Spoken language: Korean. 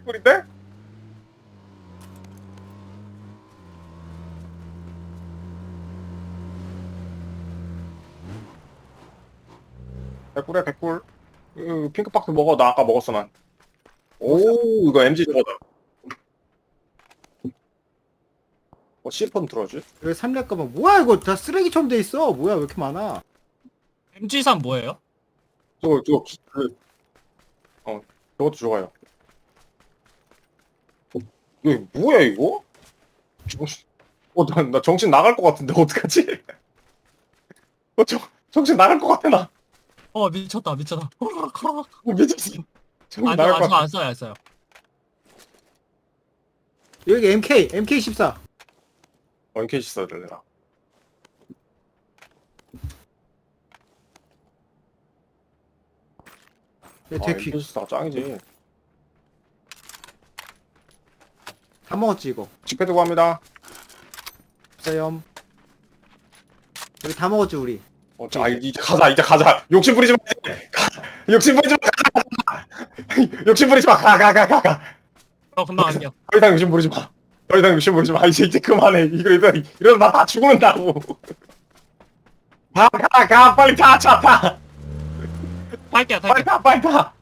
개꿀인데? 개꿀이야 개꿀. 핑크박스 먹어. 나 아까 먹었어 난. 오 이거 MG 저거다. C4는 들어야지. 여기 3렙 가방 뭐야 이거 다 쓰레기처럼 돼 있어. 뭐야 왜 이렇게 많아. MG3 뭐예요? 저거 저것도 좋아요. 이거 뭐야 이거? 정신 나 정신 나갈 것 같은데 어떡하지? 정신 나갈 것 같아 나. 미쳤다. 미쳤어. 정신 안 나갈 것 써요, 같아. 안 써요, 안 써요. 여기 MK14. 원캐시 써야 되나? 되게 귀. 원캐시가 짱이지. 다 먹었지 이거. 집회 두고 합니다. 없어요. 여기 다 먹었지 우리. 이제 가자. 욕심 부리지 마. 욕심 부리지 마. 욕심 부리지 마. 가. 금방 갈게요. 더 이상 욕심 부리지 마. 더 이상 욕심 부리지 마. 이제 그만해. 이러다 나 다 죽는다고. 가. 빨리 타. 차 타. 탈게요, 빨리 탈게요. 타. 빨리 타.